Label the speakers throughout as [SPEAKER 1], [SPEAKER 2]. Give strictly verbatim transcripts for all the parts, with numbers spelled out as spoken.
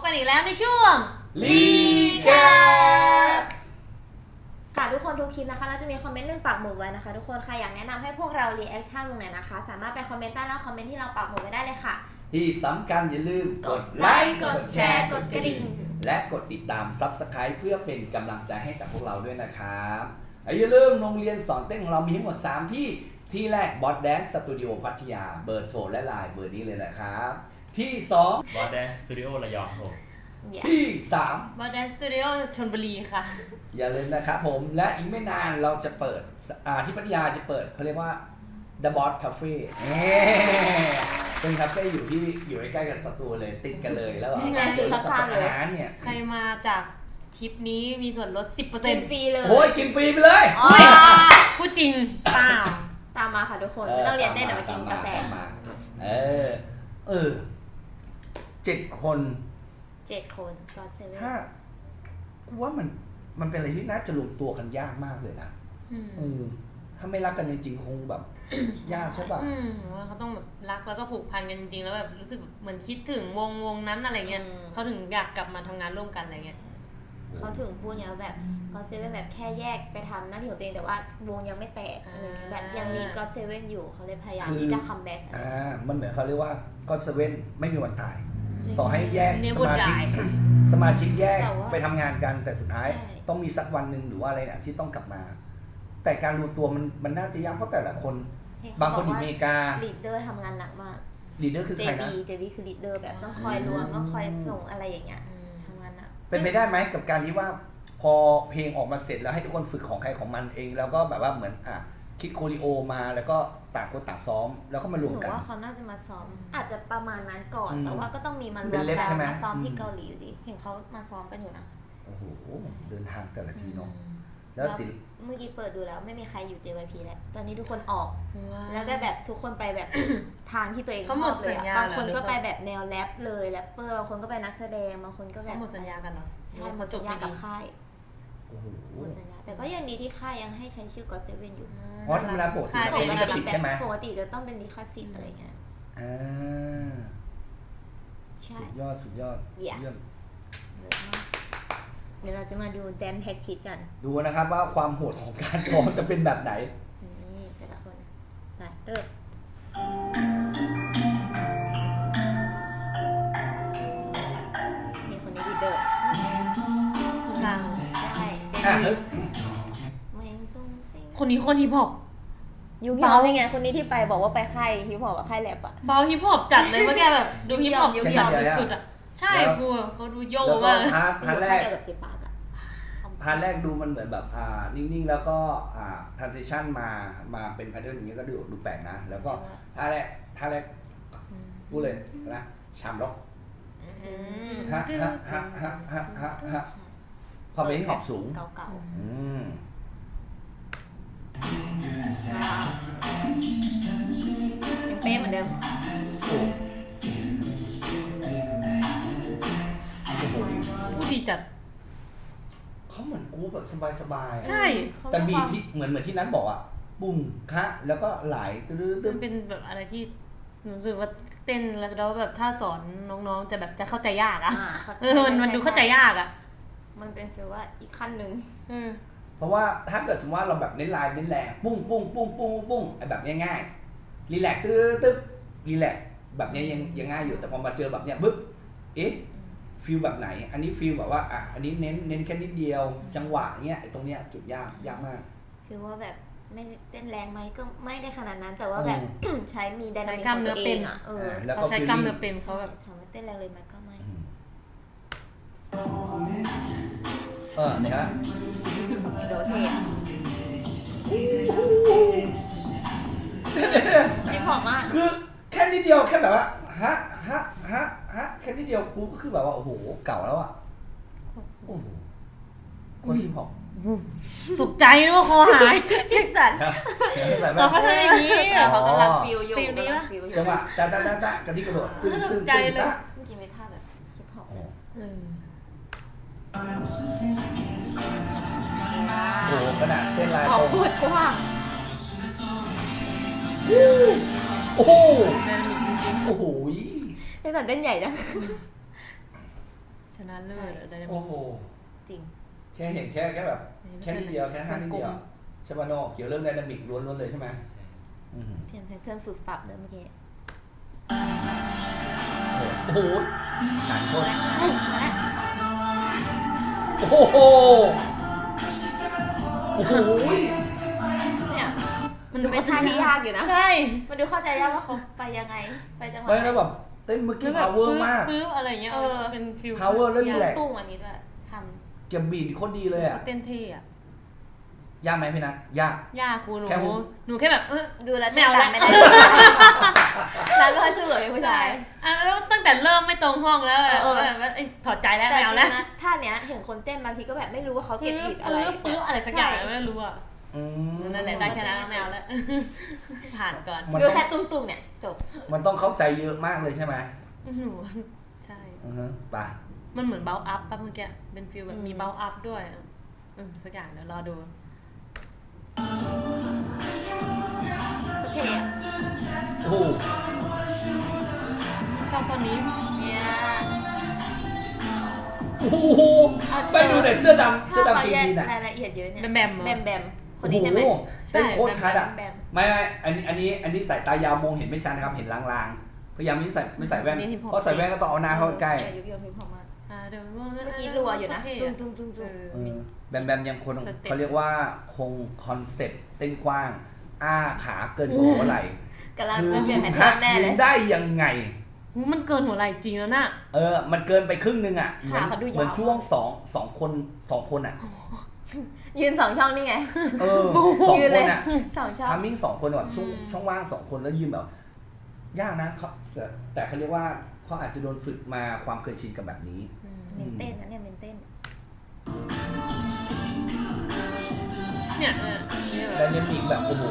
[SPEAKER 1] กันอีกแล้วในช่วง
[SPEAKER 2] รีแคป
[SPEAKER 3] ค่ะทุกคนทุกคลิปนะคะเราจะมีคอมเมนต์เรื่องปักหมุดไว้นะคะทุกคนใครอยากแนะนำให้พวกเรารีแอคชั่นวงไหนนะคะสามารถไปคอมเมนต์ใต้ล่างคอมเมนต์ที่เราปักหมุดไว้ได้เลยค่ะ
[SPEAKER 2] ที่สำคัญอย่าลืม
[SPEAKER 3] กดไลค์กดแชร์กดกระดิ่ง
[SPEAKER 2] และกดติดตาม ซับสไครบ์ เพื่อเป็นกำลังใจให้กับพวกเราด้วยนะครับอย่าลืมโรงเรียนสอนเต้นของเรามีทั้งหมดสามที่ที่แรก Boss Dance Studio พัทยาเบอร์โทรและไลน์เบอร์นี้เลยนะครับที่สอง
[SPEAKER 4] Boss Dance Studio ระยองผม
[SPEAKER 2] ที่สาม
[SPEAKER 1] Boss Dance Studio ชลบุรีค่ะ
[SPEAKER 2] อย่าลืมนะครับผมและอีกไม่นานเราจะเปิดอ่าที่พัทยาจะเปิดเขาเรียกว่า The Boss Cafe เป็นคาเฟ่อยู่ที่อยู่ใกล้ๆกับสตูเลยติดกันเลยแล้ว
[SPEAKER 3] นี่ไงคือ
[SPEAKER 2] กับอาหารเนี่ย
[SPEAKER 1] ใครมาจากทริปนี้มีส่วนลด สิบเปอร์เซ็นต์
[SPEAKER 3] กินฟรีเลย
[SPEAKER 2] โอ้ยกินฟรีไปเลย
[SPEAKER 1] พูดจริงเปล่า
[SPEAKER 3] ตามมาค่ะทุกคนไม่ต้องเรียนได้แต่มากินกาแฟ
[SPEAKER 2] เออเออเจ็ดคน
[SPEAKER 3] เจ็ดคนก็เซเว่น
[SPEAKER 2] ถ้ากูว่ามันมันเป็นอะไรที่น่าจะรวมตัวกันยากมากเลยนะอืมถ้าไม่รักกันจริงๆคงแบบยากใช่ป่ะ
[SPEAKER 1] อืมว่าเขาต้องแบบรักแล้วก็ผูกพันกันจริงๆแล้วแบบรู้สึกเหมือนคิดถึงวงวงนั้นอะไรเงี้ยเขาถึงอยากกลับมาทำงานร่วมกันอะไรเงี้ย
[SPEAKER 3] เขาถึงพูดเนี่ยแบบก็เซเว่นแบบแค่แยกไปทำหน้าที่ของตัวเองแต่ว่าวงยังไม่แตกแบบยังมีก็เซเว่นอยู่เขาเลยพยายามที่จะคัมแบ็ก
[SPEAKER 2] อ่ามันเหมือนเขาเรียกว่าก็เซเว่นไม่มีวันตายต่อให้แยกสมาชิกสมาชิกแยกไปทำงานกันแต่สุดท้ายต้องมีสักวันหนึ่งหรือว่าอะไรเนี่ยที่ต้องกลับมาแต่การรวมตัวมันมันน่าจะยากเพราะแต่ละคนบางคนอยู่อเมริกา
[SPEAKER 3] ลีดเดอร์ทำงานหนักมาก
[SPEAKER 2] ลีดเดอร์คือใครนะ
[SPEAKER 3] เจ บี เจ บี คือลีดเดอร์แบบต้องคอยรวมต้องคอยส่งอะไรอย่างเงี้ยทำงานหนัก
[SPEAKER 2] เป็นไปได้ไหมกับการที่ว่าพอเพลงออกมาเสร็จแล้วให้ทุกคนฝึกของใครของมันเองแล้วก็แบบว่าเหมือนอ่ะคิดโคริโอมาแล้วก็ต่างคนต่างซ้อมแล้วก็มารวมกัน
[SPEAKER 3] หนูว่าเขาน่าจะมาซ้อมอาจจะประมาณนั้นก่อนแต่ว่าก็ต้องมีมารวมกันมาซ้อมที่เกาหลีอยู่ดีเห็นเขามาซ้อมกันอยู่นะ
[SPEAKER 2] โอ้โหเดินทางแต่ละทีเนาะแล้วสิ
[SPEAKER 3] เมื่อกี้เปิดดูแล้วไม่มีใครอยู่ เจ วาย พี แล้วตอนนี้ทุกคนออกแล้วก็แบบทุกคนไปแบบทางที่ตัวเองชอบเลยบางคนก็ไปแบบแนวแรปเลยแรปเปอร์บางคนก็ไปนักแสดงบางคนก็แบบ
[SPEAKER 1] หมดสัญญากันเนาะ
[SPEAKER 3] ใช่หมดสัญญากับค่ายหมดสัญญาแต่ก็ยังดีที่ค่ายยังให้ใช้ชื่อ ก็อต เซเว่น อยู่
[SPEAKER 2] อ๋อธรรมดาปกติเป็นลิขสิทธิ์ใช่ไหม
[SPEAKER 3] ปกติจะต้องเป็นลิขสิทธิ์อะไรเงี้ย
[SPEAKER 2] อ่าสุดยอดสุดยอด
[SPEAKER 3] เยี่ยมเดี๋ยวเราจะมาดูแดนแพ็กทิสกัน
[SPEAKER 2] ดูนะครับว่าความโหดของการซ้อมจะเป็นแบบไหน
[SPEAKER 3] นี่แต่ละคนไปเริ่มนี่คนนี้ลีดเดอร์
[SPEAKER 1] ฟัง
[SPEAKER 3] ใช่เจน
[SPEAKER 1] คนนี้คนฮิปฮอป
[SPEAKER 3] ยุคฮิปฮอปยังไงคนนี้ที่ไปบอกว่าไปค่ายฮิปฮอปกับค่ายแรปอะ
[SPEAKER 1] เบาฮิปฮอปจัดเลยเมื่อกี้แบบดูฮิปฮอปยุคฮิปฮอปสุดอะใช่กูเขาดูโยกมาก
[SPEAKER 2] พาร์ทพาร์ทแรก
[SPEAKER 3] กับเจปากอะ
[SPEAKER 2] พาร์ทแรกดูมันเหมือนแบบอ่านิ่งๆแล้วก็อ่าทรานซิชั่นมามาเป็นแพทเทิร์นอย่างเงี้ยก็ดูดูแปลกนะแล้วก็ท่าแรกท่าแรกพูดเลยนะชามล็อกฮะฮะฮะฮะฮะฮะฮะพอไปที่ขอบสูง
[SPEAKER 3] เก่าๆ
[SPEAKER 2] อืม
[SPEAKER 3] ยังเป๊ะเหมือนเดิม
[SPEAKER 1] ผู้ดีจัด
[SPEAKER 2] เขาเหมือนกูแบบสบาย
[SPEAKER 1] ๆใช่
[SPEAKER 2] แต่บีทที่เหมือนเหมือนที่นั้นบอกอ่ะบุ้มคะแล้วก็ไหล
[SPEAKER 1] ตื้อๆเป็นแบบอะไรที่รู้สึกว่าเต้นแล้วแบบถ้าสอนน้องๆจะแบบจะเข้าใจยากอ่ะเออมันดูเข้าใจยากอ่ะ
[SPEAKER 3] มันเป็นฟีลว่าอีกขั้นนึง
[SPEAKER 2] เพราะว่าถ้าเกิดสมมติว่าเราแบบเน้นลายเน้นแรงปุ้งปุ้งปุ้งปุ้งปุ้งไอ้แบบง่ายๆรีแลกซ์ตึ๊บตึ๊บรีแลกซ์แบบนี้ยังยังง่ายอยู่แต่พอมาเจอแบบเนี้ยบึ๊บเอ๊ะฟีลแบบไหนอันนี้ฟีลแบบว่าอ่ะอันนี้เน้นเน้นแค่นิดเดียวจังหวะเนี้ยไอ้ตรงเนี้ยจุดยากยากมาก
[SPEAKER 3] ฟีลว่าแบบไม่เต้นแรงไหมก็ไม่ได้ขนาดนั้นแต่ว่าแบบใช้มีไดนามิก
[SPEAKER 1] ของ
[SPEAKER 3] ตัวเองอ่ะ
[SPEAKER 1] เออเขาใช้กล้ามเนื้อเป็นเขาแบบ
[SPEAKER 3] ถามว่าเต้นแรงเลยไหมก็ไม่
[SPEAKER 2] เออเนี่ยฮะ
[SPEAKER 3] โดเทนไม่พอมาก
[SPEAKER 2] คือแค่นิดเดียวแค่แบบว่าฮะฮะฮะฮะแค่นิดเดียวกูก็คือแบบว่าโอ้โหเก่าแล้วอ่ะโอ้โหคนที่ผอม
[SPEAKER 1] ตกใจนึกว่าคอหาย
[SPEAKER 3] เจ็บสัน
[SPEAKER 1] เราก็ทำอย่างนี้
[SPEAKER 3] เขากำลังฟิวอยู่
[SPEAKER 2] จังหวะจ้าจ้าจ้าจ้ากระดิกกระโดดตึ้งตึ้ง
[SPEAKER 1] ใจเลย
[SPEAKER 3] เมื่อกี้ไม่ท่าแบบฮิปฮอปเลย
[SPEAKER 2] โอ้โหขนาดเส้นลายตรง
[SPEAKER 3] โคตรกว้าง
[SPEAKER 2] โอ้โหโอ้โห
[SPEAKER 3] ได้แบบเต้นใหญ่จัง
[SPEAKER 1] ชนะเลิศอะไรแบบ
[SPEAKER 2] โอ้โห
[SPEAKER 3] จริง
[SPEAKER 2] แค่เห็นแค่แค่แบบแค่นิดเดียวแค่ห้านิดเดียวใช่ป่ะโนเกี่ยวเรื่องไดนามิกล้วนๆเลยใช่ไหมอืม
[SPEAKER 3] เพียงแพทเทิร์นฝึกฝับเดิมเมื่อกี้
[SPEAKER 2] โอ้โหหนังโคตร
[SPEAKER 3] มาแล้ว
[SPEAKER 2] โอ้โหโอ้โห
[SPEAKER 3] เนี่ย
[SPEAKER 1] มันดู
[SPEAKER 3] เป็นท่าที่ยากอยู่นะ
[SPEAKER 1] ใช่
[SPEAKER 3] มันดูเข้าใจยากว่าเขาไปยังไงไปจังหวะ
[SPEAKER 2] ไม่แล้วแบบเต้นเมื่อกี้ power มาก
[SPEAKER 1] ปึ๊บอะไรเงี้ย
[SPEAKER 3] เออ
[SPEAKER 1] เป็นฟิล
[SPEAKER 2] power เรื่องนี้แหละ
[SPEAKER 3] ตุ้งอันนี้ด้วยท
[SPEAKER 2] เก็บบีดโคตรดีเลยอ่ะ
[SPEAKER 1] เต้นเท่อะ
[SPEAKER 2] ยากไหมพี่นัทยาก
[SPEAKER 1] ยากครูหนู
[SPEAKER 2] แค่หุบ
[SPEAKER 1] หนูแค่แบบเออ
[SPEAKER 3] ำดูแล้ว
[SPEAKER 1] ไม่เอา
[SPEAKER 3] ตา
[SPEAKER 1] ละ
[SPEAKER 3] มไม่ได้แล้วไม่ค่อยสู้กับผู้ชาย
[SPEAKER 1] อ่ะแล้วตั้งแต่เริ่มไม่ตรงห้องแล้วอะ
[SPEAKER 3] เออ
[SPEAKER 1] แบบว่าเอ้ยถอดใจแล้ว
[SPEAKER 3] แต่
[SPEAKER 1] ไม่
[SPEAKER 3] จ
[SPEAKER 1] เอา
[SPEAKER 3] ริ
[SPEAKER 1] แล้ว
[SPEAKER 3] งนะท่าเนี้ยเห็นคนเต้นบางทีก็แบบไม่รู้ว่าเขาเก็บผิดอะไร
[SPEAKER 1] ปึ๊บปึ๊บอะไรสักอย่าง
[SPEAKER 3] ใช่
[SPEAKER 1] ไม่รู้อ่ะ
[SPEAKER 2] อืม
[SPEAKER 1] นั่นแหละได้แค่นั้นไม่เอาแล้ว ผ่านก่อน
[SPEAKER 2] มัน
[SPEAKER 3] ดู
[SPEAKER 2] ต้อง
[SPEAKER 3] แค่ตุ้งๆเนี่ยจบ
[SPEAKER 2] มันต้องเข้าใจเยอะมากเลยใช่ไหม
[SPEAKER 1] หนูใช่
[SPEAKER 2] อือฮึไป
[SPEAKER 1] มันเหมือนเบลอัพป่ะเมื่อกี้เป็นฟิลแบบ
[SPEAKER 3] อืม
[SPEAKER 1] มีเบลอัพด้วยอะเออสักอย่างเดี๋ยวรอดู
[SPEAKER 3] โอเค
[SPEAKER 2] โอ้โห
[SPEAKER 1] ชอบคนนี้
[SPEAKER 3] เนี่ย
[SPEAKER 2] โอ้โหไปดูแต่เสื้อดำเสื้อ
[SPEAKER 3] ถ้า
[SPEAKER 2] ดำ
[SPEAKER 3] เขา
[SPEAKER 2] จ
[SPEAKER 3] แยก
[SPEAKER 2] ริงๆน่ะ
[SPEAKER 3] รายละเอียดเยอะเนี่ย
[SPEAKER 1] แบมแบมเหรอ
[SPEAKER 3] แบมแบมคนนี้ใช่ไหม
[SPEAKER 2] โอ้โเต้นโคตรชัดอ่ะ
[SPEAKER 3] แบม
[SPEAKER 2] ไม่ไม่อันนี้อันนี้อันนี้สายตายาวมองเห็นไม่ชัดนะครับเห็นลางๆพยายามไม่ใส่ไม่ใส่แว่นเพราะใส่แว่นก็ต้องเอาหน้าเข้าใกล้
[SPEAKER 3] เออยุคยมพิมพ์พอมาก
[SPEAKER 1] อ่าเดี๋ยว
[SPEAKER 3] เมื่อกี้รัวอยู่นะ
[SPEAKER 1] เท่
[SPEAKER 3] ตุ้
[SPEAKER 1] อะ
[SPEAKER 3] งตุ้งตุ้งตุ้ง
[SPEAKER 1] เออ
[SPEAKER 2] เออแบมแบมยังคน
[SPEAKER 1] สเต็ป
[SPEAKER 2] เขาเรียกว่าคงคอนเซ็ปต์เต้นกว้าง อ้าขาเกินหัวไหล่
[SPEAKER 3] กำลัง
[SPEAKER 2] คือ
[SPEAKER 3] จะเปลี่ยนแผน
[SPEAKER 2] ฮะ
[SPEAKER 3] แน่เลย
[SPEAKER 2] ได้ยังไง
[SPEAKER 1] หูมันเกินหัวไหล่จริงแล้วน่ะ
[SPEAKER 2] เออ มันเกินไปครึ่งนึงอ่ะ เหมือน
[SPEAKER 3] ขาเขาดูยาว
[SPEAKER 2] เหมือนช่วงสองสองคนสองคนอ่ะ
[SPEAKER 3] ยืนสองช่องนี่ไง
[SPEAKER 2] เออสอง
[SPEAKER 3] ยืน
[SPEAKER 2] ค
[SPEAKER 3] เลย
[SPEAKER 2] นอ่ะ
[SPEAKER 3] สองช่อง
[SPEAKER 2] ทามมิ่งสองคนแบบช่วงช่องว่างสองคนแล้วยืนแบบยากนะเขาแต่แต่เขาเรียกว่าเขาอาจจะโดนฝึกมาความเคยชินกับแบบนี้
[SPEAKER 3] เมนเต้นนะเนี่ยเมนเต้น
[SPEAKER 1] เนี่ยเออเนี่ย
[SPEAKER 2] และเนมิกแบบโอ้โห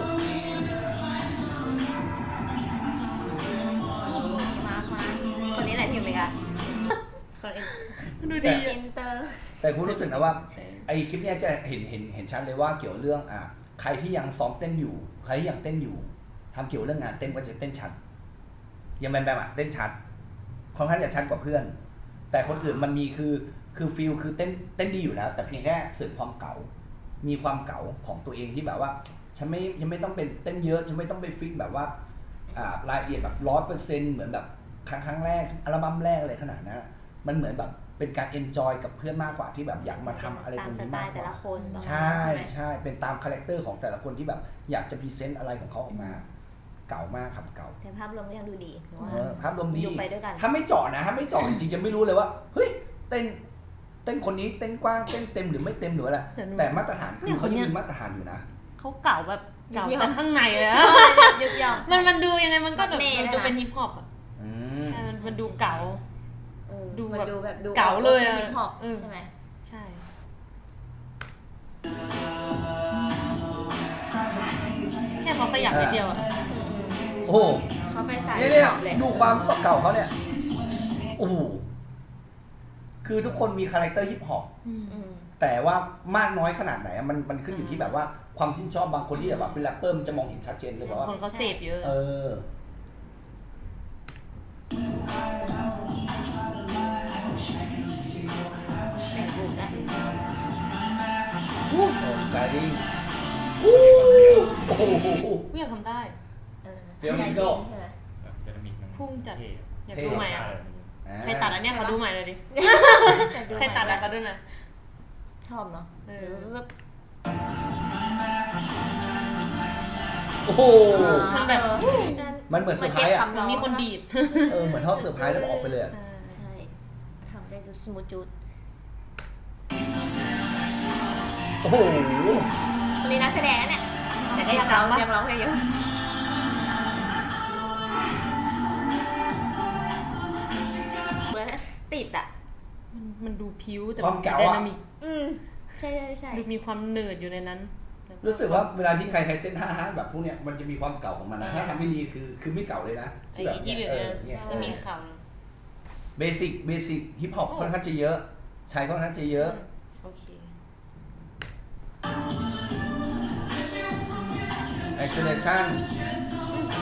[SPEAKER 3] มามาคนนี้แหละที่อยู่อเมริกา
[SPEAKER 1] คนเองดู
[SPEAKER 2] แต่
[SPEAKER 1] ดี
[SPEAKER 3] อินเตอร์
[SPEAKER 2] แต่คุณรู้สึกนะว่าไอคลิปเนี้ยจะเห็นเห็นเห็นชัดเลยว่าเกี่ยวเรื่องอ่ะใครที่ยังซ้อมเต้นอยู่ ใครที่ยังเต้นอยู่ทำเกี่ยวเรื่องงานเต้นก็จะเต้นชัดยังแบมแบมอ่ะเต้นชัดค่อนข้างจะชัดกว่าเพื่อน แต่คนอื่นมันมีคือคือฟิลคือเต้นเต้นดีอยู่แล้ว แต่เพียงแค่เสริมความเก่า มีความเก่าของตัวเองที่แบบว่าฉันไม่ยังไม่ต้องเป็นเต้นเยอะฉันไม่ต้องไปฟิกแบบว่าอ่ารายละเอียดแบบร้อยเปอร์เซ็นต์เหมือนแบบครั้งครั้งแรกอัลบั้มแรกอะไรขนาดนั้นมันเหมือนแบบเป็นการเอนจอยกับเพื่อนมากกว่าที่แบบอยากมาทำอะไรตรงนี้มากก
[SPEAKER 3] ตามสไตล์แต่ละ
[SPEAKER 2] ว่า
[SPEAKER 3] คนประมาณ
[SPEAKER 2] ใช่
[SPEAKER 3] นั้นไหม
[SPEAKER 2] ใช่เป็นตามคาแรคเตอร์ของแต่ละคนที่แบบอยากจะพรีเซนต์อะไรของเขาออกมา เก่ามากครับเก่า
[SPEAKER 3] แต่ภาพรวมก็ยังดูดีหรือว่า
[SPEAKER 2] เออภาพรวมดี
[SPEAKER 3] ดูไปด้วยกัน
[SPEAKER 2] ถ้าไม่เจาะนะถ้าไม่เจาะจริงๆจะไม่รู้เลยว่าเฮ้ยเต้นเต้นคนนี้เต้นกว้างเต้นเต็มหรือไม่เต็มหรืออะไร
[SPEAKER 1] แต่หนู
[SPEAKER 2] แต่มาตรฐาน
[SPEAKER 1] เนี่
[SPEAKER 2] คือย เขายัง
[SPEAKER 1] คนเนี้ย
[SPEAKER 2] มีมาตรฐานอยู่นะ
[SPEAKER 1] เขาเก่าแบบเก่า
[SPEAKER 3] ยุคยอม
[SPEAKER 1] แต่ข้างในเลยอะ
[SPEAKER 3] ยุกยอม
[SPEAKER 1] มันมันดูยังไงมันก็แบบ
[SPEAKER 3] มันเน่
[SPEAKER 1] มัน
[SPEAKER 3] ด้วยนะ
[SPEAKER 1] ดูเป็นฮิปฮอปอ่ะ
[SPEAKER 2] อืม
[SPEAKER 1] ใช่มันมันดูเก่า
[SPEAKER 3] เออ
[SPEAKER 1] ดู
[SPEAKER 3] มัน
[SPEAKER 1] แบบ
[SPEAKER 3] ดูแบบดู
[SPEAKER 1] เก๋าเลย
[SPEAKER 3] เป็น
[SPEAKER 1] อะ
[SPEAKER 3] ฮิปฮอป
[SPEAKER 1] เออ
[SPEAKER 3] ใช่ไหม
[SPEAKER 1] ใช่ แค่เขาขยับนิดเดียวอ่ะ
[SPEAKER 2] โอ้โห
[SPEAKER 3] เขาไปสาย
[SPEAKER 2] เนี่ยเนี่ย
[SPEAKER 3] ฮิปฮอปเลย
[SPEAKER 2] ดูความเก่าเขาเนี่ยโอ้โหคือทุกคนมีคาแรคเตอร์ฮิปฮอป
[SPEAKER 3] อืม
[SPEAKER 2] แต่ว่ามากน้อยขนาดไหนอะมันมันขึ้นอยู่ที่แบบว่าความชื่นชอบบางคนที่แบบว่าเป็นแรปเปอร์มันจะมองเห็นชัดเจนเลยแบบว่า
[SPEAKER 1] คนเขาเสพเยอะ
[SPEAKER 2] เออโอ้ไกดิ้งโอ้โห
[SPEAKER 1] ไม่อยากทำได้
[SPEAKER 3] เออ
[SPEAKER 2] เดี๋ยว
[SPEAKER 3] ใจ
[SPEAKER 2] นี้
[SPEAKER 3] ดี
[SPEAKER 2] ก็
[SPEAKER 3] ใช่ไหม
[SPEAKER 4] แบบเดนามิกมัน
[SPEAKER 1] พุ่งจัด
[SPEAKER 4] เท่
[SPEAKER 1] อยากดูใหม่อ่ะ
[SPEAKER 2] อ่า
[SPEAKER 1] ใครตัดอันเนี้ยเขาดูใหม่เลยดิ
[SPEAKER 3] อยากดู
[SPEAKER 1] ใครตัด
[SPEAKER 3] ใหม่
[SPEAKER 1] อะไรเขาดูหน่อย
[SPEAKER 3] ชอบเนาะ
[SPEAKER 1] เออ
[SPEAKER 3] เดี๋ยวรู้สึก
[SPEAKER 2] โอ้โห
[SPEAKER 1] มันแบบ
[SPEAKER 2] มันเหมือนเซอร์ไพรส์อะ
[SPEAKER 1] มันมีคนดีด
[SPEAKER 2] เออเหมือนทอดเซอร์ไพรส์แล้วก็ออกไปเลยอะ
[SPEAKER 3] ใช่ทำได้ดูสมูทจูด
[SPEAKER 2] โอ้โห
[SPEAKER 3] คนนี้นักแสดงนะเนี่ยแต่ก็ยังร้องยังร้องเพลงอยู่เหมือนติดอ่ะ
[SPEAKER 1] มันมันดูพิ้วแต่
[SPEAKER 2] ความเก๋า
[SPEAKER 1] ได
[SPEAKER 2] อะ
[SPEAKER 1] นามิก
[SPEAKER 3] อืมใช่ใช่ใช่
[SPEAKER 1] ดูมีความเนิร์ดอยู่ในนั้น
[SPEAKER 2] รู้สึกว่าเวลาที่ใครใครเต้นฮ่าฮ่าแบบพวกเนี้ยมันจะมีความเก่าของมันนะถ้าทำไม่ดีคือคือไม่เก่าเลยนะ
[SPEAKER 1] ไอ้
[SPEAKER 2] ที่แบบ
[SPEAKER 1] ที่
[SPEAKER 2] เนี้ย
[SPEAKER 1] แบบ
[SPEAKER 2] เอ
[SPEAKER 1] เนี้
[SPEAKER 2] อย เนี่ย
[SPEAKER 1] ไม่มีค
[SPEAKER 2] เบสิกเบสิกฮิปฮอปค่อนข้างจะเยอะ ใช้ค่อนข้างจะ
[SPEAKER 1] ำ
[SPEAKER 2] เยอะ
[SPEAKER 1] โอเค
[SPEAKER 2] ไอโซเลชั่น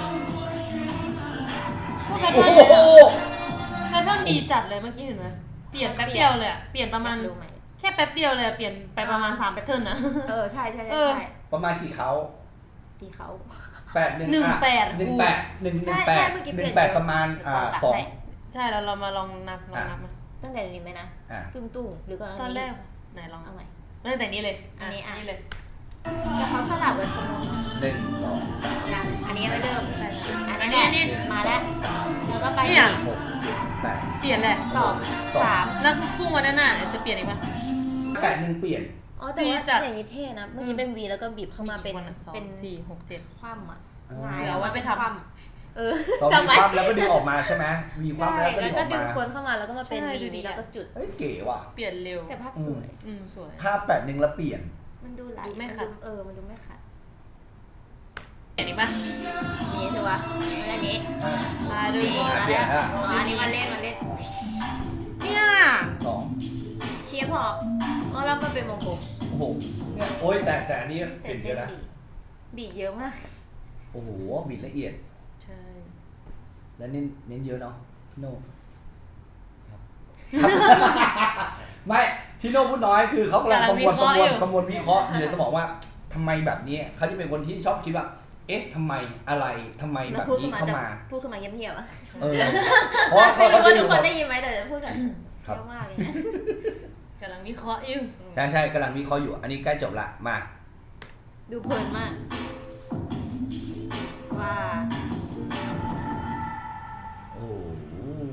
[SPEAKER 1] พวกแพท
[SPEAKER 2] โอ้
[SPEAKER 1] เทิร์น
[SPEAKER 2] โห
[SPEAKER 1] แพทเทิร์นดีจัดเลยเมื่อกี้เห็นไหมปลี่ยนแป๊บเดียวเลยอะเปลี่ยนประมาณ
[SPEAKER 3] รู้ไหม
[SPEAKER 1] แค่แป๊บเดียวเลยอะเปลี่ยนไปประมาณสามแพทเทิร์นนะ
[SPEAKER 3] เออใช่ใช่
[SPEAKER 1] เอ
[SPEAKER 3] ใช่
[SPEAKER 1] อ
[SPEAKER 3] ใช่
[SPEAKER 2] ประมาณกี่เขา
[SPEAKER 3] สีเขา
[SPEAKER 2] แปดหนึ่ง
[SPEAKER 1] หนึ่งแปด
[SPEAKER 2] หนึ่งแปดหนึ่งหนึ่ง
[SPEAKER 3] ใช่
[SPEAKER 2] แป
[SPEAKER 3] ใช่
[SPEAKER 2] ด
[SPEAKER 3] เมื่อกี้
[SPEAKER 2] ห
[SPEAKER 3] เปลี่
[SPEAKER 2] นึ่
[SPEAKER 3] ย
[SPEAKER 2] ง
[SPEAKER 3] น
[SPEAKER 2] แปดประมาณอ่าสอง
[SPEAKER 1] ใช่เราเรามาลองนับลองนับมา
[SPEAKER 3] ตั้งแต่นี้ไหมนะ
[SPEAKER 2] อ่า
[SPEAKER 3] ตุ้งตุ้งหรือก็
[SPEAKER 1] ตอนแรกไหนลอง
[SPEAKER 3] เอาใหม่
[SPEAKER 1] ตั้งแต่นี้เลย
[SPEAKER 3] อันนี้อ่ะ
[SPEAKER 1] นี่เลย
[SPEAKER 3] แต่เขาสลับกันจำนวน
[SPEAKER 2] หนึ่งสองสาม
[SPEAKER 3] นะอันนี้ยังไม่เริ่มอัน
[SPEAKER 1] อัน
[SPEAKER 3] นี้
[SPEAKER 1] นี้
[SPEAKER 3] แหละ
[SPEAKER 1] นี่
[SPEAKER 3] มาแล้วแล้วก็ไป
[SPEAKER 1] เนี่ย
[SPEAKER 3] อีก
[SPEAKER 2] หกเจ็ดแปด
[SPEAKER 1] เปลี่ยนแหละ
[SPEAKER 3] สอง
[SPEAKER 2] สอง
[SPEAKER 3] สาม
[SPEAKER 1] แล้วพุ่งวันนั้นน่ะจะเปลี่ยนอีกปะ
[SPEAKER 2] แปดหนึ่งเปลี่ยน
[SPEAKER 3] อ๋อแต่ว่า
[SPEAKER 1] วีจัด
[SPEAKER 3] อย่างนี้เท่นะเมื่อกี้เป็นวีแล้วก็บีบเข้ามาเป็น
[SPEAKER 1] วันสอง
[SPEAKER 3] เป็น
[SPEAKER 1] สี่หกเจ็ด
[SPEAKER 3] คว่ำอ่ะ
[SPEAKER 2] อ่า
[SPEAKER 3] หงาย
[SPEAKER 1] เดี๋ยวเอาไว้ไปทำ
[SPEAKER 3] คว่ำเออ
[SPEAKER 2] ตอน
[SPEAKER 3] จำ
[SPEAKER 2] มี
[SPEAKER 3] ไว้
[SPEAKER 2] ความแล้วก็ดึงออกมาใช่ไหมมีความ
[SPEAKER 3] ใช่
[SPEAKER 2] แล้วก็ดึงออก
[SPEAKER 3] แล้วก็ดึง
[SPEAKER 2] มา
[SPEAKER 3] คนเข้ามาแล้วก็มาเป็น
[SPEAKER 1] ใช่
[SPEAKER 3] วี
[SPEAKER 1] ดูดี
[SPEAKER 3] นี้แล้วก็จุด
[SPEAKER 2] เฮ้ยเก๋ว่ะ
[SPEAKER 1] เปลี่ยนเร็ว
[SPEAKER 3] แต่ภาพสวย
[SPEAKER 1] อืมสวย
[SPEAKER 2] ภาพแปดหนึ่งแล้วเปลี่ยน
[SPEAKER 3] มันดูไหล
[SPEAKER 1] ดูไม่ขัด
[SPEAKER 3] นเออมันดูไม่ขัด
[SPEAKER 1] เปลี่ยนอีกปะ
[SPEAKER 3] นี่ถือว่าอันนี้
[SPEAKER 2] อ่า
[SPEAKER 1] มาดู
[SPEAKER 3] ดี
[SPEAKER 1] ก่อน
[SPEAKER 3] มา
[SPEAKER 2] เปลี่
[SPEAKER 3] แล้
[SPEAKER 2] ยน
[SPEAKER 3] ว
[SPEAKER 2] แล้ว
[SPEAKER 3] อ๋ออันนี้มาเล่นมาเล่น
[SPEAKER 1] เนี่ย
[SPEAKER 2] สอง
[SPEAKER 3] เชียร์พออ๋อแล้วก็เป็นวงกลม
[SPEAKER 2] โอ้โหเนี่ยโอ้ยแต่แต่อันนี้
[SPEAKER 3] แต่
[SPEAKER 2] เปลี่ยนเย
[SPEAKER 3] เต้น
[SPEAKER 2] อะนะ
[SPEAKER 3] บีบีดเยอะมาก
[SPEAKER 2] โอ้โหบิดละเอียด
[SPEAKER 1] ใช่
[SPEAKER 2] และเน้นเน้นเยอะเนาะพี่โน่ครับ ไม่ที่โน่พูดน้อยคือเขากำลังประมวลประมวลประมวลวิเคราะห์อยู่ในสมองว่าทำไมแบบนี้เขาจะเป็นคนที่ชอบคิดว่า เอ๊ะทำไมอะไรทำไม
[SPEAKER 3] แล้
[SPEAKER 2] แบ
[SPEAKER 3] ว
[SPEAKER 2] บ
[SPEAKER 3] พูด
[SPEAKER 2] นี้
[SPEAKER 3] ขึ้นมา
[SPEAKER 2] เข้า
[SPEAKER 3] จะ
[SPEAKER 2] มา
[SPEAKER 3] พูดขึ้นมาเงียบๆอ่ะ
[SPEAKER 2] เออเพราะว่า
[SPEAKER 3] ไม่
[SPEAKER 2] เขา
[SPEAKER 3] รู้
[SPEAKER 2] เขา
[SPEAKER 3] ว่า
[SPEAKER 2] จะ
[SPEAKER 3] ทุ
[SPEAKER 2] อก ยู่แบบ
[SPEAKER 3] คนได้ยินไหมแต่จะพูดแบบ
[SPEAKER 2] ครับ
[SPEAKER 3] เยอะมากเลยนะ
[SPEAKER 1] กำลังวิเคราะห์อยู่
[SPEAKER 2] ใช่ใช่กำลังวิเคราะห์อยู่ อันนี้ใกล้จบละมา
[SPEAKER 3] ดูเพลินมากว่า
[SPEAKER 2] โอ้โห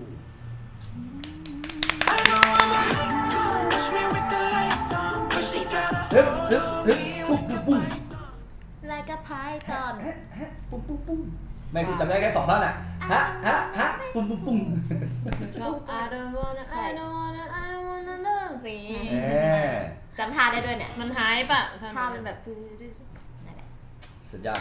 [SPEAKER 2] ฮึบฮึบฮึบปุ๊บปุ๊บปุ้ง
[SPEAKER 3] ลายกระพายตอน
[SPEAKER 2] ฮะฮะปุ้งปุ้งปุ้งไม่คุณจำได้แค่สองท่อนน่ะฮะฮะฮะปุ้งปุ้งปุ้ง
[SPEAKER 1] ชอบ I don't wanna I don't wanna I don't wanna love
[SPEAKER 3] นี่
[SPEAKER 2] เออ
[SPEAKER 3] จำท่าได้ด้วยเนี่ย
[SPEAKER 1] มันหายปะ
[SPEAKER 3] ท่ามันแบบตื้อๆนั่นแหละ
[SPEAKER 2] สุดยอด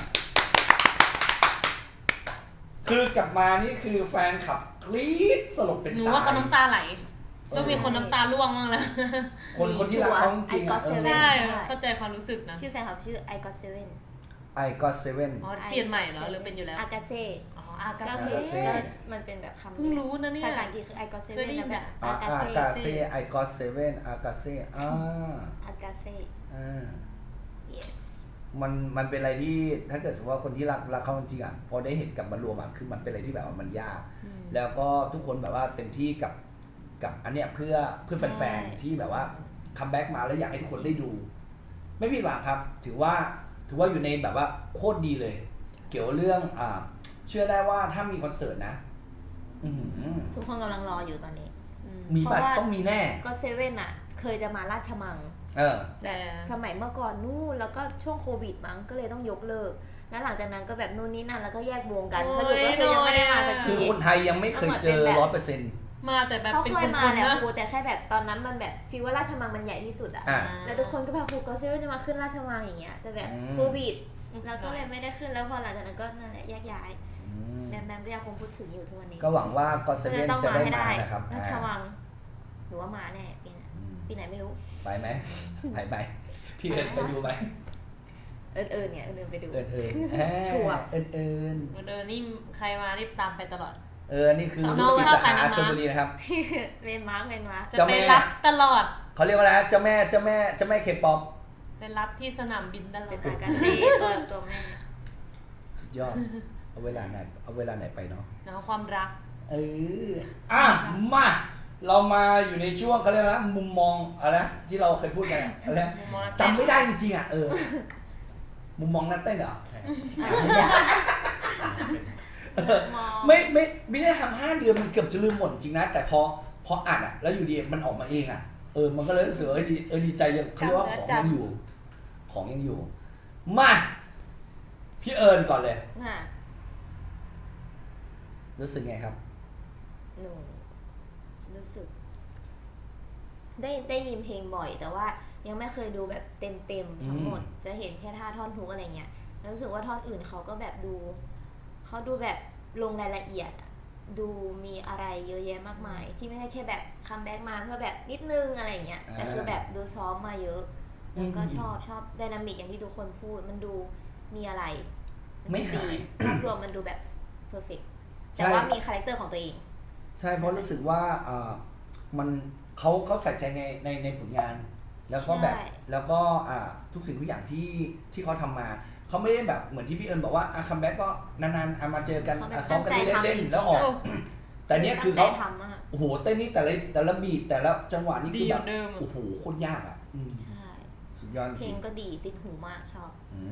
[SPEAKER 2] คือกลับมานี่คือแฟนขับกรี๊ดสลบเป็น
[SPEAKER 1] หนู
[SPEAKER 2] ตาย
[SPEAKER 1] ว่าเขาน้ำตาไหลก็มีคนน้ำตาร่วงบ้างแล้ว
[SPEAKER 2] คนคนที่รักเขาจริงๆอ่ะ
[SPEAKER 3] I got
[SPEAKER 2] เออ
[SPEAKER 3] seven
[SPEAKER 1] ใช่เข้าใจความรู้สึกนะ
[SPEAKER 3] ชื่อแฟนคลับชื่อ I got seven
[SPEAKER 2] I got seven
[SPEAKER 1] อ๋อเปลี่ยนใหม่เหรอหรือเป็นอยู่แล้ว
[SPEAKER 3] อากาเซ่
[SPEAKER 1] อ๋ออากา
[SPEAKER 3] ก็
[SPEAKER 1] เซ่
[SPEAKER 3] คือก็มันเป็นแบบคำ
[SPEAKER 1] เพิ่งรู้นะเนี่ย
[SPEAKER 3] ภาษาอังกฤษคือ I got
[SPEAKER 1] เคย
[SPEAKER 3] seven
[SPEAKER 1] ได้ยิ
[SPEAKER 3] แล้ว
[SPEAKER 1] น
[SPEAKER 3] แบบ
[SPEAKER 1] อะ
[SPEAKER 3] อากา
[SPEAKER 2] อา
[SPEAKER 3] เซ่
[SPEAKER 2] กาเซ่ I got seven อากาเซ่อ่า
[SPEAKER 3] อากาเซ่
[SPEAKER 2] อ่า
[SPEAKER 3] yes
[SPEAKER 2] มันมันเป็นอะไรที่ถ้าเกิดสมมติว่าคนที่รักรักเขาจริงๆอ่ะพอได้เห็นกลับมารวมอ่ะคือมันเป็นอะไรที่แบบว่ามันยาก
[SPEAKER 1] อืม
[SPEAKER 2] แล้วก็ทุกคนแบบว่าเต็มที่กับกับอันเนี้ยเพื่อเพื่อแฟนๆที่แบบว่าคัมแบ็กมาแล้วอยากให้ทุกคนได้ดู ไม่ผิดหวังครับ ถือว่าถือว่าอยู่ในแบบว่าโคตรดีเลย เกี่ยวกับเรื่องอ่าเชื่อได้ว่าถ้ามีคอนเสิร์ตนะอื้อหือ
[SPEAKER 3] ทุกคนกำลังรออยู่ตอนนี้
[SPEAKER 1] อืม
[SPEAKER 2] มีบัตร
[SPEAKER 3] เพราะว่า
[SPEAKER 2] ต้องมีแน่
[SPEAKER 3] ก็เซเว่นอ่ะ เคยจะมาราชมัง
[SPEAKER 2] เออ
[SPEAKER 1] แต่
[SPEAKER 3] สมัยเมื่อก่อนนู่นแล้วก็ช่วงโควิดมั้งก็เลยต้องยกเลิก แล้วหลังจากนั้นก็แบบนู่นนี่นั่นแล้วก็แยกวงกันสรุปก็คือยังไม่ได้มาสัก
[SPEAKER 2] คื
[SPEAKER 3] ที
[SPEAKER 2] อคนไทยยังไม่เคยเจอร้อยเปอร์เซ็นต์
[SPEAKER 1] มาแต่แบบ
[SPEAKER 3] เขา
[SPEAKER 1] เป็น
[SPEAKER 3] เค
[SPEAKER 1] ค
[SPEAKER 3] ย
[SPEAKER 1] น
[SPEAKER 3] มา
[SPEAKER 1] ๆ
[SPEAKER 3] แหละ
[SPEAKER 1] นะ
[SPEAKER 3] ครูแต่แค่แบบตอนนั้นมันแบบฟีลว่าราชมังมันใหญ่ที่สุดอะ
[SPEAKER 2] อ่า
[SPEAKER 3] แล้วทุกคนก็แบบครูก็เซเว่นจะมาขึ้นราชมังอย่างเงี้ยแต่แบบ
[SPEAKER 2] อืม
[SPEAKER 3] โควิดแล้วก็เลยไม่ได้ขึ้นแล้วพอหลังจากนั้นก็นั่นแหละแยกย้ายแบมแบมก็ยังคงพูดถึงอยู่ทุกวันนี้
[SPEAKER 2] ก็หวังว่าก็เซ
[SPEAKER 3] ก็เล
[SPEAKER 2] เว่
[SPEAKER 3] ย
[SPEAKER 2] น
[SPEAKER 3] ต้อง
[SPEAKER 2] จะ
[SPEAKER 3] มา
[SPEAKER 2] ได้
[SPEAKER 3] ให้
[SPEAKER 2] มา
[SPEAKER 3] ได้
[SPEAKER 2] นะครับ
[SPEAKER 3] ราชวังหรือว่ามาแน่ปีหน้า
[SPEAKER 2] อืม
[SPEAKER 3] ปีไหนไม่รู้
[SPEAKER 2] ไปไหมไปไปพี่เอิญไปดูไหม
[SPEAKER 3] เอิญเอิญเนี่ยเอิญไปดู
[SPEAKER 2] เอิญเอิญ
[SPEAKER 3] ชัวร์
[SPEAKER 2] เอิญเอิญ
[SPEAKER 1] เดินนี่ใครมานี่ตามไปตลอด
[SPEAKER 2] เออนี่คือ
[SPEAKER 1] น้
[SPEAKER 2] ลู
[SPEAKER 1] อก ง
[SPEAKER 2] ศิษย์
[SPEAKER 1] ชอ
[SPEAKER 2] สา
[SPEAKER 1] บใคร
[SPEAKER 2] ขา
[SPEAKER 1] นะ
[SPEAKER 2] ชลบุรีนะครับ
[SPEAKER 3] เวนมาร์กเวนมาร์ก
[SPEAKER 1] จะ
[SPEAKER 2] เจ้า
[SPEAKER 1] ไป
[SPEAKER 2] แม่
[SPEAKER 1] รับตลอด
[SPEAKER 2] เขาเรียกว่าอะไรนะเจ้าแม่เจ้าแม่เจ้าแม่เคป๊อป
[SPEAKER 1] ไปรับที่สนามบินตลอ
[SPEAKER 3] เป็น
[SPEAKER 1] ด
[SPEAKER 3] อากาเซ่ตัวตัวแม่
[SPEAKER 2] สุดยอด เอาเวลาไหนเอาเวลาไหนไปเนาะ
[SPEAKER 1] เนาะความรัก
[SPEAKER 2] เอออ่ะมาเรามาอยู่ในช่วงเขาเรียกว่ามุมมองอะไรนะที่เราเคยพูดกันอะอะไรนะ
[SPEAKER 1] มุมมองนักเต้น
[SPEAKER 2] จำไม่ได้จริงๆอ่ะเออ มุมมองนักเต้นเหรอ
[SPEAKER 4] ใช่
[SPEAKER 3] มอง
[SPEAKER 2] ไม่ไม่ไม่ได้ทำห้าเดือนมันเกือบจะลืมหมดจริงนะแต่พอพออ่านอ่ะ แล้วอยู่ดีมันออกมาเองอ่ะเออมันก็เลยรู้สึกว่าเออดีเออดีใจยังเขาเรียกว่าของยังอยู่ ของยังอยู่ มาพี่เอิญก่อนเลย
[SPEAKER 3] น่ะ
[SPEAKER 2] รู้สึกไงครับ
[SPEAKER 3] หนูรู้สึก ได้ได้ยินเพลงบ่อย แต่ว่ายังไม่เคยดูแบบเต็มเต็มๆทั้งหมด จะเห็นแค่ท่าท่อนฮุกอะไรเงี้ยแล้วรู้สึกว่าท่อนอื่นเขาก็แบบดูเขาดูแบบลงรายละเอียดอะดูมีอะไรเยอะแยะมากมาย ที่ไม่ใช่แค่แบบคัมแบ็กมาเพื่อแบบนิดนึงอะไรเงี้ยแต่คือแบบดูซ้อมมาเยอะ แล้วก็ชอบชอบไดนามิกอย่างที่ทุกคนพูดมันดูมีอะไร
[SPEAKER 2] ไม่หาย
[SPEAKER 3] ภาพรวมมันดูแบบเพอร์เฟกต์
[SPEAKER 2] ใช่
[SPEAKER 3] แต่ว่ามีคาแรคเตอร์ของตัวเอง
[SPEAKER 2] ใช่เพราะรู้สึกว่าเออมันเขาเขาใส่ใจในในในผลงาน แล้วก็แบบแล้วก็อ่าทุกสิ่งทุกอย่างที่ที่เขาทำมาเขาไม่ได้แบบเหมือนที่พี่เอิญบอกว่าอ่ะคัมแบ็กก็นานๆอ่ะมาเจอกันอ่ะซ้อมกันเล่นๆแล้วออกแต่เนี้ยคือเขาโอ้โหเต้นนี่แต่ละแต่ละบีทแต่ละจังหวะนี่คือแบบโอ้โหโคตรยากอ่ะ
[SPEAKER 3] ใช่
[SPEAKER 2] สุดยอด
[SPEAKER 3] เพลงก็ดีติดหูมากชอบ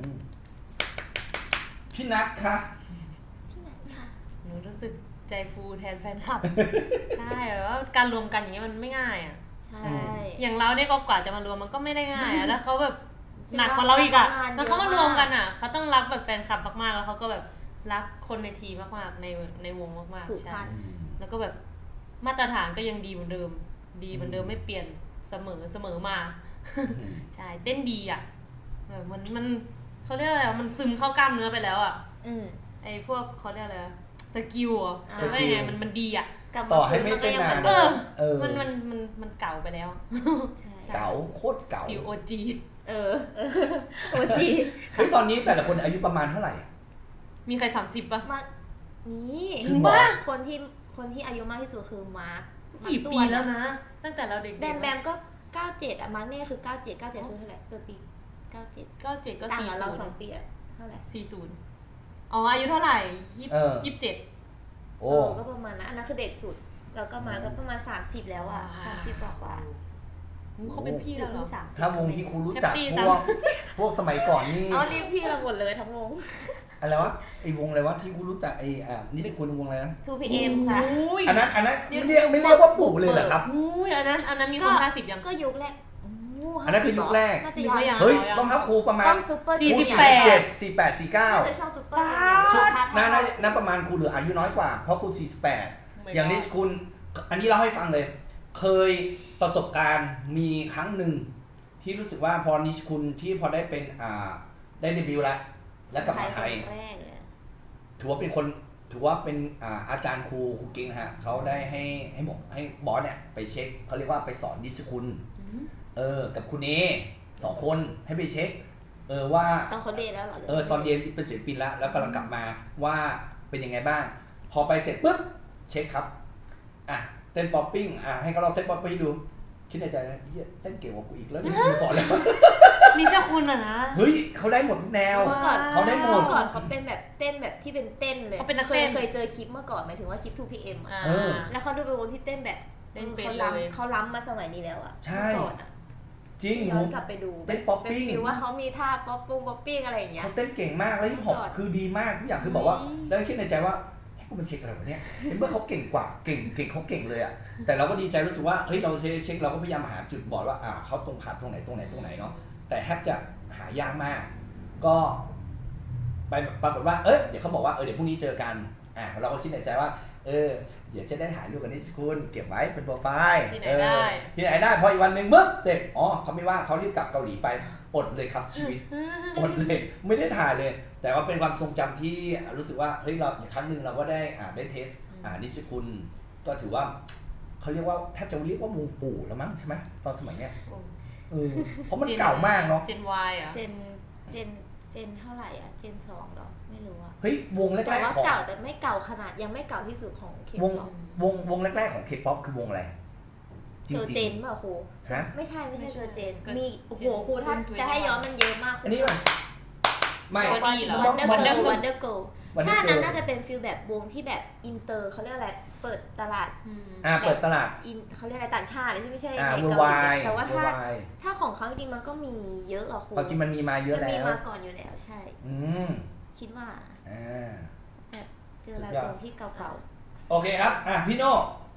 [SPEAKER 2] พี่นัทคะ
[SPEAKER 3] พี่นัทค่ะ
[SPEAKER 1] หนูรู้สึกใจฟูแทนแฟนคลับใช่แบบว่าการรวมกันอย่างเงี้ยมันไม่ง่ายอ่ะ
[SPEAKER 3] ใช่
[SPEAKER 1] อย่างเราเนี่ยก็กว่าจะมารวมมันก็ไม่ได้ง่ายอ่ะแล้วเขาแบบหนักกว่าเราอีกอ่ะแล้วเขามารวมกันอ่ะเขาต้องรักแบบแฟนคลับมากๆแล้วเขาก็แบบรักคนในทีมมากๆในในวงมากๆใช่แล้วก็แบบมาตรฐานก็ยังดีเหมือนเดิมดีเหมือนเดิมไม่เปลี่ยนเสมอเสมอมาใช่เต้นดีอ่ะแบบมันมันเขาเรียกอะไรมันซึมเข้ากล้ามเนื้อไปแล้วอ่ะไอ้พวกเขาเรียกอะไรสกิลอ่ะหรือว่าไงมันมันดีอ่ะ
[SPEAKER 2] ต่อให้ไม่เต้นนาน
[SPEAKER 1] เออมันมันมันมันเก่าไปแล้ว
[SPEAKER 2] เก่าโคตรเก่า
[SPEAKER 1] ฟิวโอจี
[SPEAKER 3] เออโอจี
[SPEAKER 2] เฮ้ยตอนนี้แต่ละคนอายุประมาณเท่าไหร่
[SPEAKER 1] มีใครสามสิบป่ะ
[SPEAKER 3] มานี่คนที่คนที่อายุมากที่สุดคือมาร์ค
[SPEAKER 1] กี่ปีแล้วนะตั้งแต่เราเด็ก
[SPEAKER 3] ๆแบมแบมก็เก้าเจ็ดอ่ะมาร์คเนี่ยคือเก้าเจ็ด เก้าเจ็ดคือเท่าไหร่เกิดปีเก้าเจ็ด
[SPEAKER 1] เก้าเจ็ดก็สี่สิบต่างกับ
[SPEAKER 3] เราสองปีอ่ะเท่าไหร่
[SPEAKER 1] สี่สิบอ๋ออายุเท่าไหร่ยี่สิบเจ็ด
[SPEAKER 3] โอ้ก็ประมาณนั้นอันนั้นคือเด็กสุดแล้วก็มาก็ประมาณสามสิบแล้วอ่ะสามสิบกว่า
[SPEAKER 1] เขาเป็นพี่เราเหรอ
[SPEAKER 2] ถ้าวงที่ครูรู้จักพวกพวกสมัยก่อนนี่
[SPEAKER 3] อ๋อเรียกพี่เราหมดเลยทั้งวง
[SPEAKER 2] อะไรวะไอ้วงอะไรวะที่ครูรู้จักไอ้อ่านิสิคุณวงอะไรนะ
[SPEAKER 3] ทู พี เอ็ม ค่ะ
[SPEAKER 2] อันนั้นอันนั้นเรียกไม่เรียกว่าปู่เลยเหรอครับ
[SPEAKER 1] อุ้ยอันนั้นอันนั้นมีคนห้าสิบยัง
[SPEAKER 3] ก็ยุคแรก
[SPEAKER 2] อันนั้นคือยุคแรก
[SPEAKER 3] น่าจะยัง
[SPEAKER 2] เฮ้ยต้องทับครูประมาณ
[SPEAKER 1] สี่สิบ
[SPEAKER 2] แปด สี่แปด สี่เก้า
[SPEAKER 3] น่าจะชอบซุปเปอร์
[SPEAKER 2] น่าน่าประมาณครูเหลืออายุน้อยกว่าเพราะครูสี่สิบแปดอย่างนิสิคุณอันนี้เล่าให้ฟังเลยเคยประสบการณ์มีครั้งหนึ่งที่รู้สึกว่าพอนิชคุณที่พอได้เป็นอ่าได้เดบิวต์แล้วแล้วกลับมาไทยถือว่าเป็นคนถือว่าเป็นอ่าอาจารย์ครูครูกิ้งฮะเขาได้ให้ให้บอกให้บอสเนี่ยไปเช็คเขาเรียกว่าไปสอนนิชคุณเออกับคุณเอสองคนให้ไปเช็คเออว่า
[SPEAKER 3] ตอนเขาเรียนแล้วเหรอ
[SPEAKER 2] เออตอนเรียนเป็นศิลปินแล้วแล้วกำลังกลับมาว่าเป็นยังไงบ้างพอไปเสร็จปุ๊บเช็คครับอ่ะเต้นป๊อปปิ้งอ่ะให้เขาลองเต้นป๊อปปิ้งดูคิดในใจนะเฮียเต้นเก่งกว่ากูอีกแล้วนี่กูสอนแล้ว
[SPEAKER 1] นี่เจ้าคุณอ่ะนะ
[SPEAKER 2] เฮ้ยเขาได้หมดทุกแนวเขาได้หมด
[SPEAKER 3] ก่อนเขาเป็นแบบเต้นแบบที่เป็นเต้นเลย
[SPEAKER 1] เขาเป็นนัก
[SPEAKER 3] เต้
[SPEAKER 1] น
[SPEAKER 3] เคยเจอคลิปเมื่อก่อนหมายถึงว่าคลิป ทู พี เอ็ม อ่ะแล้วเขาดูเป็นวงที่เต้นแบบ
[SPEAKER 1] เต้นเป็น
[SPEAKER 3] เลยเขาล้ำมาสมัยนี้แล้วอ่ะ
[SPEAKER 2] ใช่จริง
[SPEAKER 3] ย้อนกลับไปดู
[SPEAKER 2] เต้นป๊อปปิ้ง
[SPEAKER 3] ฟิลว่าเขามีท่าป๊อปปุ้งป๊อปปิ้งอะไรอย่างเงี้ย
[SPEAKER 2] เขาเต้นเก่งมากแล้วฮิปฮอปคือดีมากทุกอย่างคือบอกว่าแล้วคิดในใจว่ากูมันเช็คอะไรวะเนี่ยเมื่อเขาเก่งกว่าเก่งเก่งเขาเก่งเลยอ่ะแต่เราก็ดีใจรู้สึกว่าเฮ้ยเราเช็คเราก็พยายามหาจุดบอดว่าอ่าเขาตรงขาดตรงไหนตรงไหนตรงไหนเนาะแต่แทบจะหายากมากก็ไปปรากฏว่าเอ้ยเดี๋ยวเขาบอกว่าเออเดี๋ยวพรุ่งนี้เจอกันอ่าเราก็คิดในใจว่าเออเดี๋ยวจะได้ถ่ายรูปกันนี่สิคุณเก็บไว้เป็นโปรไฟล์
[SPEAKER 1] ที่ไหนได้
[SPEAKER 2] ที่ไหนได้พออีกวันหนึ่งมึ๊บเสร็จอ๋อเขาไม่ว่าเขารีบกลับเกาหลีไปอดเลยครับชีวิตอดเลยไม่ได้ถ่ายเลยแต่ว่าเป็นความทรงจำที่รู้สึกว่าเฮ้ยเราครั้งหนึ่งเราก็ได้อ่าได้เทสอ่านิชคุณก็ถือว่าเขาเรียกว่าแทบจะเรียกว่าวงปู่แล้วมั้งใช่ไหมตอนสมัยเนี้ยเออเพราะมันเก่ามากเนาะ
[SPEAKER 1] เจน Y อ่ะ
[SPEAKER 3] เจนเจนเจนเท่าไหร่อ่ะเจนสองหรอไม่รู้อ่ะ
[SPEAKER 2] เฮ้ยวงแรกๆ
[SPEAKER 3] แต่ว่าเก่าแต่ไม่เก่าขนาดยังไม่เก่าที่สุดของเคป๊
[SPEAKER 2] อปวงวงแรกๆของเคป๊อปคือวงอะไร
[SPEAKER 3] เจอเจนเปล่าครูไม่ใช่ไม่ใช่เจอเจนมีโอ้โหครูถ้าจะให้ย้อนมันเยอะมาก
[SPEAKER 2] อันนี้ป่ะไม่
[SPEAKER 3] วันเดอร์เกิร์ลวันเดอร์เกิร์ลถ้านั้นน่าจะเป็นฟิลแบบวงที่แบบอินเตอร์เขาเรียกอะไรเปิดตลาด
[SPEAKER 2] อ่าเปิดตลาด
[SPEAKER 3] อินเขาเรียกอะไรต่างชาติใช่ไม่ใช่
[SPEAKER 2] ในเกาห
[SPEAKER 3] ลีแต่ว่าถ้าถ้าของเขาจริงมันก็มีเยอะอะครู
[SPEAKER 2] จริงมันมีมาเยอะแล้ว
[SPEAKER 3] มันมีมาก่อนอยู่แล้วใช่
[SPEAKER 2] อืม
[SPEAKER 3] คิดว่า
[SPEAKER 2] อ่า
[SPEAKER 3] แบบเจอแล้ววงที่เก่า
[SPEAKER 2] ๆโอเคครับอ่ะพี่โน่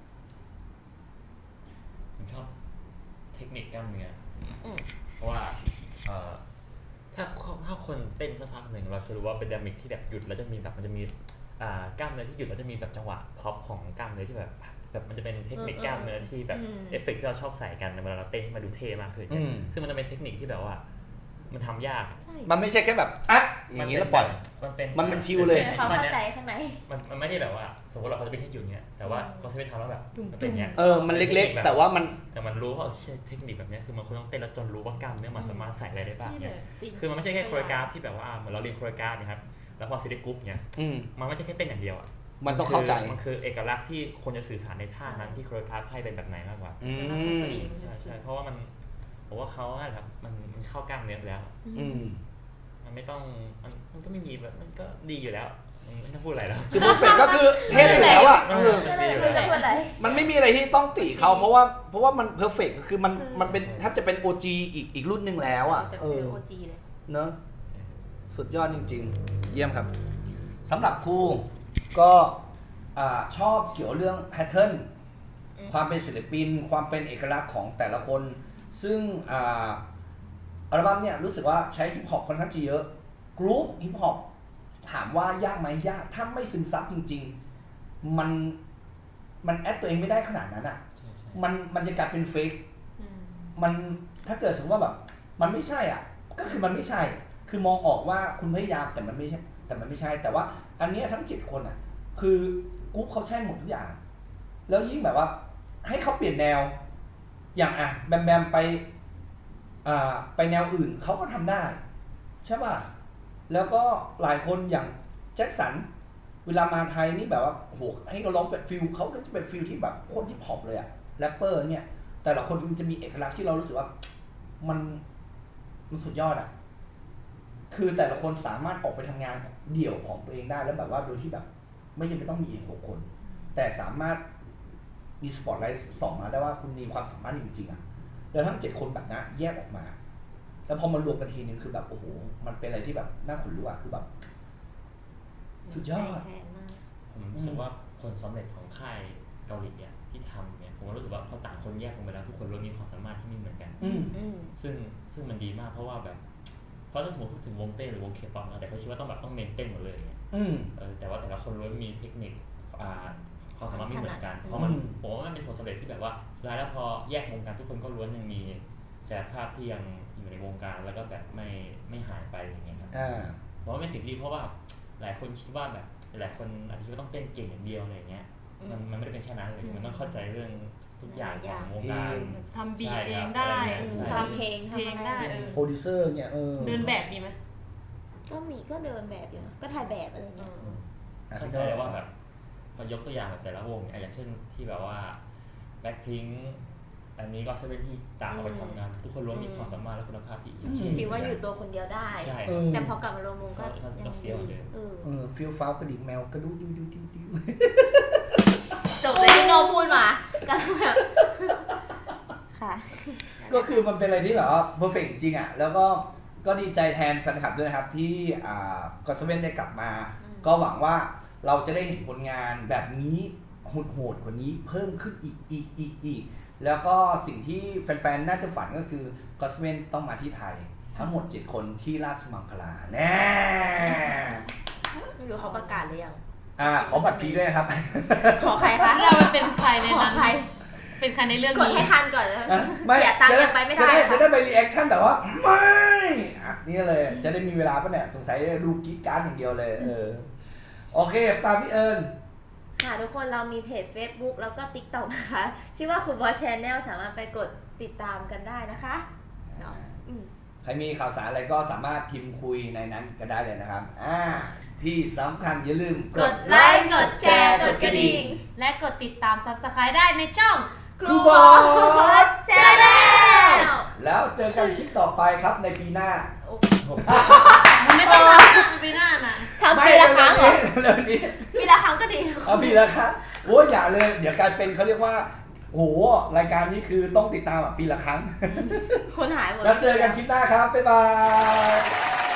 [SPEAKER 4] ผมชอบเทคนิคกล้ามเนื้อเพราะว่าเอ่อถ้าถ้าคนเต้นสักพักหนึ่งเราจะรู้ว่าเป็นดามิกที่แบบหยุดแล้วจะมีแบบมันจะมีกล้ามเนื้อที่หยุดแล้วจะมีแบบจังหวะพ็อปของกล้ามเนื้อที่แบบแบบมันจะเป็นเทคนิคกล้ามเนื้อที่แบบเอฟเฟกต์ที่เราชอบใส่กันเวลาเราเต้นให้มาดูเท่มากขึ้นซึ่งมันจะเป็นเทคนิคที่แบบว่ามันทำยาก
[SPEAKER 2] มันไม่ใช่แค่แบบอ่ะอย่างนี้แล้วปล่อย
[SPEAKER 4] มันเป็น
[SPEAKER 2] มันเป็นชิลเลย
[SPEAKER 3] เขาเข้าใจข้างใน
[SPEAKER 4] มันมันไม่ได้แบบว่าสมมติเราเขาจะเป็นแค่จุดเนี้ยแต่ว่าเขาจะไปทำแล้วแบบมันเป็นเนี้ย
[SPEAKER 2] เออมันเล็กๆแต่ว่ามัน
[SPEAKER 4] แต่มันรู้ว่าเทคนิคแบบนี้คือมันควรต้องเต้นแล้วจนรู้ว่ากล้ามเนื้อมันสามารถใส่อะไรได้บ้างเนี่ยคือมันไม่ใช่แค่โคเรียกราฟที่แบบว่าเหมือนเราเรียนโคเรียกราฟนะครับแล้วพอซีรีส์กรุ๊ปเนี่ยมันไม่ใช่แค่เต้นอย่างเดียวอ่ะ
[SPEAKER 2] มันต้องเข้าใจ
[SPEAKER 4] มันคือเอกลักษณ์ที่คนจะสื่อสารในท่านั้นที่โคโรกราฟให้เป็นแบบไหนมากกว่า
[SPEAKER 2] อืม
[SPEAKER 4] ใช่ใช่เพราะว่ามันผมว่าเขาอะครับมันมันเข้ากล้ามเนื้อแล้ว
[SPEAKER 2] อืม
[SPEAKER 4] มันไม่ต้องมันมันก็ไม่มีแบบมันก็ดีอยู่แล้วมันไม่ต้องพูดอะไรแล้ว
[SPEAKER 2] คือเพอร์เฟกก็คือเทพอยู่แล้วอ่ะเออ
[SPEAKER 4] มันดีอยู่
[SPEAKER 3] ไม่
[SPEAKER 4] แล้
[SPEAKER 3] ได้
[SPEAKER 4] ว
[SPEAKER 3] พูดอะไร
[SPEAKER 2] มันไม่มีอะไรที่ต้องติเขาเพราะว่าเพราะว่ามันเพอร์เฟกคือมันมันเป็นแทบจะเป็น โอ จี อีกอีกรุ่นหนึ่งแล้วอ่ะ
[SPEAKER 1] แต่
[SPEAKER 2] เอ
[SPEAKER 1] เป็น
[SPEAKER 2] อ
[SPEAKER 1] โอจีเลย
[SPEAKER 2] เนอะสุดยอดจริงๆ เยี่ยมครับสำหรับครูก็อ่าชอบเกี่ยวเรื่องแพทเทิร์นความเป็นศิลปิน ความเป็นเอกลักษณ์ของแต่ละคน ซึ่งอ่าอัลบั้มเนี่ยรู้สึกว่าใช้ฮิปฮอปค่อนข้างจะเยอะกรุ๊ปฮิปฮอปถามว่ายากไหมยากถ้าไม่ซึมซับจริงๆ มันมันแอดตัวเองไม่ได้ขนาดนั้นอ่ะ
[SPEAKER 4] ใช่ใช่
[SPEAKER 2] มันมันจะกลายเป็นเฟก
[SPEAKER 1] อืม
[SPEAKER 2] มันถ้าเกิดสมมติว่าแบบมันไม่ใช่อ่ะก็คือมันไม่ใช่ คือมองออกว่าคุณพยายามแต่มันไม่ใช่แต่มันไม่ใช่ แต่ว่าอันเนี้ยทั้งเจ็ดคนอ่ะคือกรุ๊ปเขาใช่หมดทุกอย่าง แล้วยิ่งแบบว่าให้เขาเปลี่ยนแนว อย่างอ่ะแบมแบมไปอ่าไปแนวอื่นเขาก็ทำได้ใช่ป่ะแล้วก็หลายคนอย่างแจ็คสันเวลามาไทยนี่แบบว่าโอ้โหให้เขาร้องเป็นฟิลเขาก็จะเป็นฟิลที่แบบโคตรฮิปฮอปเลยอะแรปเปอร์เนี่ยแต่ละคนมันจะมีเอกลักษณ์ที่เรารู้สึกว่ามันมันสุดยอดอะคือแต่ละคนสามารถออกไปทำงานเดี่ยวของตัวเองได้แล้วแบบว่าโดยที่แบบ ไม่จำเป็นต้องมีหกคน แต่สามารถมีสปอตไลท์ส่องมาได้ว่าคุณมีความสามารถจริงๆอะแล้วทั้งเจ็ดคนแบบนั้นแยกออกมา แล้วพอมารวมกันทีนึงคือแบบโอ้โหมันเป็นอะไรที่แบบน่าขนลุกอะคือแบบสุดยอด
[SPEAKER 3] ใจแทนมาก
[SPEAKER 4] ผมรู้สึกว่าผลสำเร็จของค่ายเกาหลีเนี่ยที่ทำเนี่ยผมก็รู้สึกว่าพอต่างคนแยกออกไปแล้วทุกคนล้วนมีความสามารถที่ไม่เหมือนกัน
[SPEAKER 2] อืม
[SPEAKER 3] อืม
[SPEAKER 4] ซึ่งซึ่งมันดีมากเพราะว่าแบบเพราะถ้าสมมติพูดถึงวงเต้นหรือวงเคป๊อปนะแต่เขาคิดว่าต้องแบบต้องเมนเต้นหมดเลยอย่างเงี้ย
[SPEAKER 2] อืม
[SPEAKER 4] เออแต่ว่าแต่ละคนล้วนมีเทคนิคอ่าความสามารถไม่เหมือนกันเพราะมัน
[SPEAKER 2] อืม
[SPEAKER 4] ผมว่ามันเป็นผลสำเร็จที่แบบว่าสุดท้ายแล้วพอแยกวงการทุกคนก็ล้วนยังมีศักยภาพที่ยังอยู่ในวงการแล้วก็แบบไม่ไม่หายไปอย่างเงี้ยครับ
[SPEAKER 2] อ่า
[SPEAKER 4] เพราะว่าเป็นสิ่งดีเพราะว่าหลายคนคิดว่าแบบหลายคนอาจจะคิดว่าต้องเต้นเก่งอย่างเดียวอะไรอย่างเงี้ย มันมันไม่ได้เป็นแค่นั้นเลยมันต้องเข้าใจเรื่องทุกอย่างของวงการ
[SPEAKER 1] ทำบีท
[SPEAKER 4] ใช่
[SPEAKER 1] เอ
[SPEAKER 4] ครั
[SPEAKER 1] ง
[SPEAKER 4] บ
[SPEAKER 1] ได้
[SPEAKER 4] อะไรเงี้ยใช่
[SPEAKER 3] ทำเพลง
[SPEAKER 1] เพลง
[SPEAKER 3] ทำอะไร
[SPEAKER 1] ได้เออ
[SPEAKER 2] โปรดิวเซอร์เนี่ยเออ
[SPEAKER 1] เดินแบบดีไหม
[SPEAKER 3] ก็มีก็เดินแบบอยู่นะก็ถ่ายแบบอะไรเงี้ย
[SPEAKER 2] อ่ะ
[SPEAKER 4] เข้าใจเลยว่าแบบพอยกตัวอย่างแบบแต่ละวงเนี่ยอย่างเช่นที่แบบว่าแบ็คพิงอันนี้ก็เซเว่นที่ต่างออกไปทำงาน ทุกคนล้วนมีความสามารถและคุณภาพที่อีก
[SPEAKER 3] ฟีลว่าอยู่ตัวคนเดียวได้
[SPEAKER 4] ใช่
[SPEAKER 2] เออ
[SPEAKER 3] แต่พอกลับมารวมวงก็
[SPEAKER 4] ก็ก็
[SPEAKER 3] ยัง
[SPEAKER 4] เฟี้ยวเหมือน
[SPEAKER 3] ดี
[SPEAKER 4] เดิม
[SPEAKER 3] เออ
[SPEAKER 2] เออฟิลฟ้าวกระดิ่งแมวกระดูดิวดิวดิวดิว
[SPEAKER 3] จบเลยที่โนพูดมาก็แบบค่ะ
[SPEAKER 2] ก็คือมันเป็นอะไรที่แบบว่าเพอร์เฟกต์จริงอ่ะแล้วก็ก็ดีใจแทนแฟนคลับด้วยนะครับที่อ่ากอสเว่นได้กลับมา ก็หวังว่าเราจะได้เห็นผลงานแบบนี้โหดๆกว่านี้เพิ่มขึ้นอีกอีกอีกอีกแล้วก็สิ่งที่แฟนๆน่าจะฝันก็คือกอสเว่นต้องมาที่ไทย ทั้งหมดเจ็ดคนที่ราชมังคลาแน่
[SPEAKER 3] ไม่รู้เขาประกาศหรือยัง
[SPEAKER 2] อ่าขอบัตรฟรีด้วยนะครับ
[SPEAKER 3] ขอใครคะ
[SPEAKER 1] เราเป็นใครใน
[SPEAKER 3] ขอ
[SPEAKER 1] นั้น
[SPEAKER 3] ใคร
[SPEAKER 1] เป็นใครในเรื่อง
[SPEAKER 3] กด
[SPEAKER 1] นี้
[SPEAKER 3] ให้ทันก่อนนะ
[SPEAKER 2] อ่ะไม่
[SPEAKER 3] เสียตังค์
[SPEAKER 2] จะ
[SPEAKER 3] ยังไปไม่
[SPEAKER 2] จะ
[SPEAKER 3] ได้
[SPEAKER 2] ได้
[SPEAKER 3] ค่ะ
[SPEAKER 2] จะได้ไปรีแอคชั่นแบบว่าไม่อ่ะนี่เลยจะได้มีเวลาปะเนี่ยสงสัยดูกรีดการ์ดอย่างเดียวเลยเออโอเคตามพี่เอิญ
[SPEAKER 3] ค่ะทุกคนเรามีเพจ Facebook แล้วก็ TikTok นะคะ ชื่อว่าคุณบอส Channel สามารถไปกดติดตามกันได้นะคะเนาะอืม
[SPEAKER 2] ใครมีข่าวสารอะไรก็สามารถพิมพ์คุยในนั้นก็ได้เลยนะครับอ่าที่สำคัญอย่าลืม
[SPEAKER 3] กดไลค์กดแชร์กดกระดิ่ง
[SPEAKER 1] และกดติดตาม Subscribe ได้ในช่อง
[SPEAKER 3] ครูบอส Channel
[SPEAKER 2] แล้วเจอกันคลิปต่อไปครับในปีหน้า
[SPEAKER 1] มันไม่ต้องทำปีหน้าน่ะ
[SPEAKER 3] ทำปีละครั้งเหรอ
[SPEAKER 2] เรื่องนี้
[SPEAKER 3] ปีละครั้งก็ดี
[SPEAKER 2] เอาปีละครั้งโอ้ยอย่าเลย เดี๋ยวกลายเป็นเขาเรียกว่าโอ้โหรายการนี้คือต้องติดตามอ่ะปีละครั้ง
[SPEAKER 3] คนหายหมด
[SPEAKER 2] แล้วเจอกันคลิปหน้าครับ บ๊ายบาย